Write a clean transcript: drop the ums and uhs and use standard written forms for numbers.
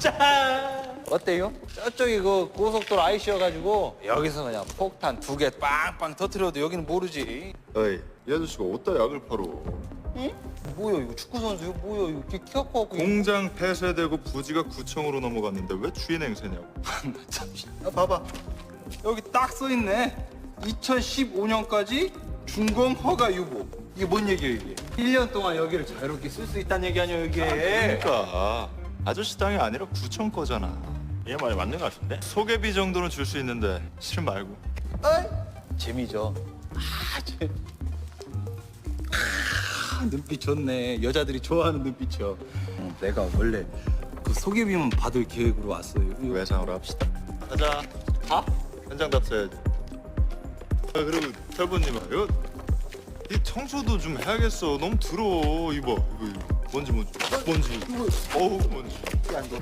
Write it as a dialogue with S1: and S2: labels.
S1: 짠! 어때요? 저쪽이 그 고속도로 IC여가지고 여기서 그냥 폭탄 2개 빵빵 터트려도 여기는 모르지.
S2: 어이, 이 아저씨가 어디다 약을 팔어?
S1: 뭐야 이거 축구 선수요? 뭐야 이거 키가 커갖고.
S2: 공장 폐쇄되고 부지가 구청으로 넘어갔는데 왜 주인 행세냐고.
S1: 야, 봐봐. 여기 딱 써있네. 2015년까지 준공 허가 유보. 이게 뭔 얘기야 이게? 1년 동안 여기를 자유롭게 쓸 수 있다는 얘기 아니야 이게?
S2: 그러니까 아저씨 땅이 아니라 구청 거잖아.
S3: 얘 말이 맞는 것 같은데?
S2: 소개비 정도는 줄 수 있는데 싫으면 말고.
S1: 어이? 재미죠. 눈빛 좋네. 여자들이 좋아하는 눈빛이요. 내가 원래 그 소개비만 받을 계획으로 왔어요. 이거
S2: 외상으로 합시다. 가자.
S1: 아?
S2: 현장 답사야지. 아, 그리고 탈부님아, 이 청소도 좀 해야겠어. 너무 더러워. 이거. 먼지. 어우, 먼지.
S1: 야, 너